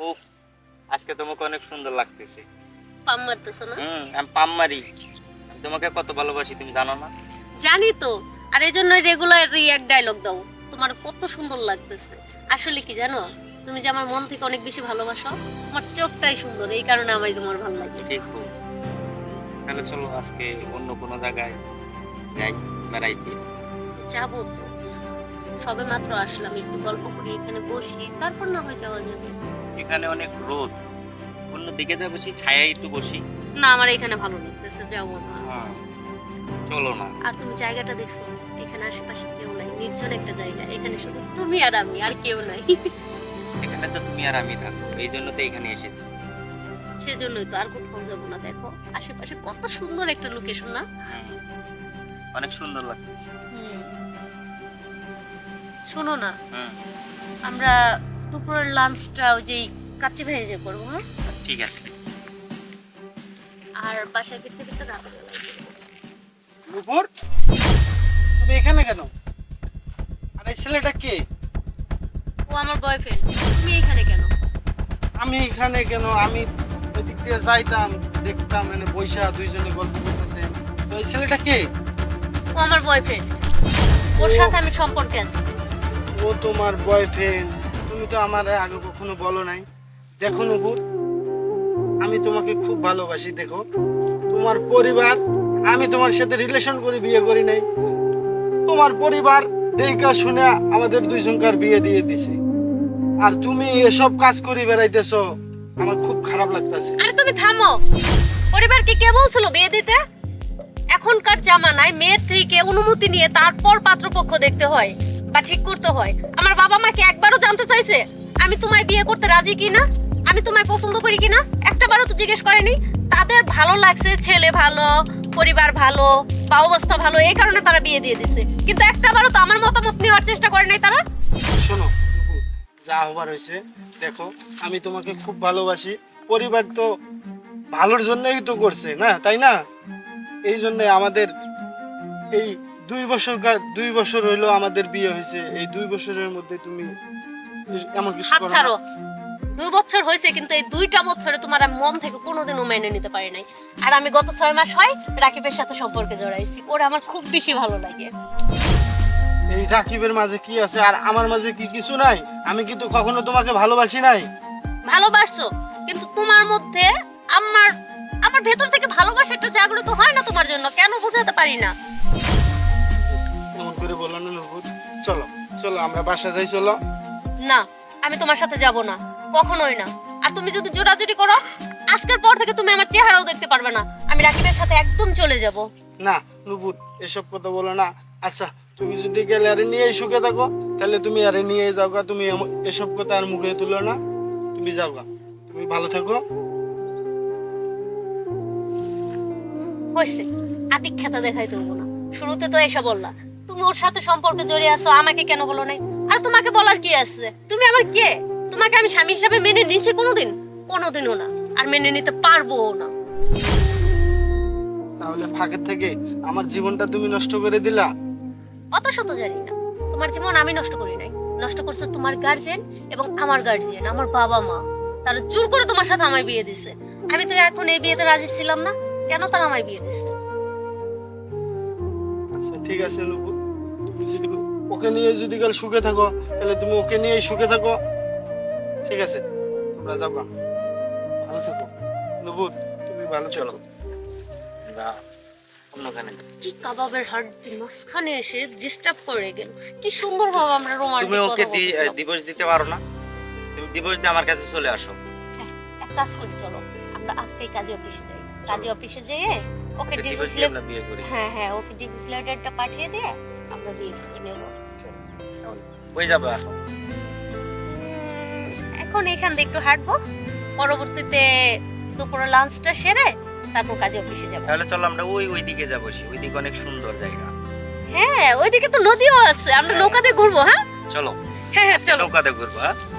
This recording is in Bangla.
উফ, আজকে তোমাকে অনেক সুন্দর লাগতেছে। পাম মারতেছো না? আমি পাম মারি। আমি তোমাকে কত ভালোবাসি তুমি জানো না? জানি তো। আর এই জন্য রেগুলারই এক ডায়লগ দাও, তোমার কত সুন্দর লাগতেছে। আসলে কি জানো, তুমি যে আমার মন থেকে অনেক বেশি ভালোবাসো। তোমার চোখটাই সুন্দর, এই কারণে আমায় তোমার ভালো লাগে। ঠিক বলছো। তাহলে চলো আজকে অন্য কোনো জায়গায় যাই বেড়াইতে। যাবো তো, সবে মাত্র আসলাম, একটু গল্প করি, এখানে বসি, তারপর না হয় যাওয়া যাবে। এখানে অনেক রোদ, অন্য দিকে যা বসি ছায়ায় একটু বসি। না, আমার এখানে ভালো লাগতেছে, যাবো না। হ্যাঁ, চলো না। আর তুমি জায়গাটা দেখছো, এখানে আশেপাশে কেউ নাই, নির্জন একটা জায়গা, এখানে শুধু তুমি আর আমি, আর কেউ নাই। এখানে তো তুমি আর আমি থাকবো, এই জন্য তো এখানে এসেছি। সেজন্যই তো, আর কোথাও যাবো না। দেখো আশেপাশে কত সুন্দর একটা লোকেশন না? অনেক সুন্দর লাগতেছে। শোনো না, হুম, আমরা দুপুরের লাঞ্চটা ওই যে কাচ্চি ভেজে করবো, হ্যাঁ? ঠিক আছে। আর বাসায় ফিরতে ফিরতে রাত হয়ে যাবে। নুপুর, তুমি এখানে কেন? আর এই ছেলেটা কে? ও আমার বয়ফ্রেন্ড। তুমি এখানে কেন? আমি এখানে কেন? আমি ওই দিক দিয়ে যাইতাম, দেখতাম মানে বৈশা দুইজনে গল্প করতেছে। তো এই ছেলেটা কে? ও আমার বয়ফ্রেন্ড, ওর সাথে আমি সম্পর্কে আছি। ও তোমার বয়ফ্রেন্ড? তুমি তো আমার আগে কখনো বলো নাই। দেখো নুপুর, আমি তোমাকে খুব ভালোবাসি। দেখো তোমার পরিবার, আমি তোমার সাথে রিলেশন করে বিয়ে করি নাই। তোমার পরিবার দেখা শুনে আমাদের দুইজনকার বিয়ে দিয়ে দিছে। আর তুমি এসব কাজ করে বেড়াইতেছো, আমার খুব খারাপ লাগতেছে। আরে তুমি থামো। পরিবারকে কে বলছিল বিয়ে দিতে? এখনকার জামানায় মেয়ের থেকে অনুমতি নিয়ে তারপর পাত্রপক্ষ দেখতে হয় বা ঠিক করতে হয়। আমার বাবা মাকে একবারও জানতে চাইছে আমি তোমায় বিয়ে করতে রাজি কিনা, আমি তোমায় পছন্দ করি কিনা? একটাবারও তো জিজ্ঞেস করেনি। তাদের ভালো লাগছে, ছেলে ভালো, পরিবার ভালো বা অবস্থা ভালো, এই কারণে তারা বিয়ে দিয়ে দিছে। কিন্তু একটাবারও তো আমার মতামত নেওয়ার চেষ্টা করে নাই তারা। শোনো নুপুর, যা হবার হয়েছে। দেখো আমি তোমাকে খুব ভালোবাসি। পরিবার তো ভালোর জন্যই তো করছে না, তাই না? এই জন্য আমাদের এই 2 বছর হইলো আমাদের বিয়ে হয়েছে। এই 2 বছরের মধ্যে তুমি এমন কিছু হাত করো না। ছাড়ো। 2 বছর হয়েছে, কিন্তু এই 2টা বছরে তোমার আমি মন থেকে কোনোদিনও মেনে নিতে পারি নাই। আর আমি গত 6 মাস হয় রাকিবের সাথে সম্পর্কে জড়াইছি। ওরা আমার খুব বেশি ভালো লাগে। এই রাকিবের মাঝে কি আছে আর আমার মাঝে কি কিছু নাই? আমি কিন্তু কখনো তোমাকে ভালোবাসি নাই। ভালোবাসছো, কিন্তু তোমার মধ্যে আমার আমার ভেতর থেকে ভালোবাসা একটু জাগ্রত হয় না তোমার জন্য? কেন বোঝাতে পারি না? এমন করে বললো না নুপুর। চলো চলো আমরা বাসা যাই, চলো। না, আমি তোমার সাথে যাব না, কখনোই না। আর তুমি যদি জোরাজুরি করো, আজকের পর থেকে তুমি আমার চেহারাও দেখতে পারবে না। আমি রাকিবের সাথে একদম চলে যাব। না নুপুর, এসব কথা বলো না। আচ্ছা তুমি যদি গেলে আরে নিয়ে সুখে থাকো, তাহলে তুমি আরে নিয়ে যাও গা। তুমি এসব কথা আর মুখে তুলো না। তুমি যাও গা, তুমি ভালো থাকো। হয়েছে, আতিক্ষেতা দেখাই দেবো না। শুরুতে তো এসে বললা তুমি ওর সাথে সম্পর্কে জড়িয়ে আছো, আমাকে কেন বলো নাই? আর তোমাকে বলার কি আছে? তুমি আমার কে? তোমাকে আমি স্বামী হিসাবে মেনে নিয়েছি কোনোদিন? কোনোদিনও না, আর মেনে নিতে পারবোও না। তাহলে ফাঁকের থেকে আমার জীবনটা তুমি নষ্ট করে দিলা। অত শত জানি না, তোমার জীবন আমি নষ্ট করি নাই। নষ্ট করছে তোমার গার্জিয়ান এবং আমার গার্জিয়ান, আমার বাবা মা। তারা জোর করে তোমার সাথে আমায় বিয়ে দিছে। আমি তো এখন এই বিয়েতে রাজি ছিলাম না, কেন তারা আমায় বিয়ে দিছে? আচ্ছা ঠিক আছে নুপুর, তুমি যদি ওকে নিয়ে যদি কাল সুখে থাকো, তাহলে তুমি ওকে নিয়েই সুখে থাকো। ঠিক আছে, তোমরা যাও গা, ভালো থাকো। নুপুর তুমি ভালো চলো। চলো। না, অন্যখানে। কি কাবাবের হাড্ডি মাঝখানে এসে ডিস্টার্ব করে গেল। কি সুন্দর ভাবে আমরা রোমান্টিক তুমি কথা ওকে বলছিলাম। দিবস দিতে পারো না? তুমি দিবস দিয়ে আমার কাছে চলে আসো। হ্যাঁ, এক কাজ করি, চলো আমরা আজকেই কাজে অফিসে যাই। কাজে অফিসে যেয়ে ওকে দিবস ডিভোর্স দিয়ে আমরা বিয়ে করি। হ্যাঁ হ্যাঁ, ওকে ডিভোর্স লেটারটা পাঠিয়ে দিয়ে আমরা বিয়ে করে নেব। হয়ে যাবে আসো। এখন এখান থেকে একটু হাঁটবো, পরবর্তীতে দুপুরে লাঞ্চটা সেরে তারপর কাজে অফিসে যাব। তাহলে চলো আমরা ওই দিকে যাবো, ওই দিকে অনেক সুন্দর জায়গা। হ্যাঁ, ওইদিকে তো নদীও আছে, আমরা নৌকাতে ঘুরবো। হ্যাঁ চলো হ্যাঁ হ্যাঁ, চলো। নৌকাতে ঘুরবো। হ্যাঁ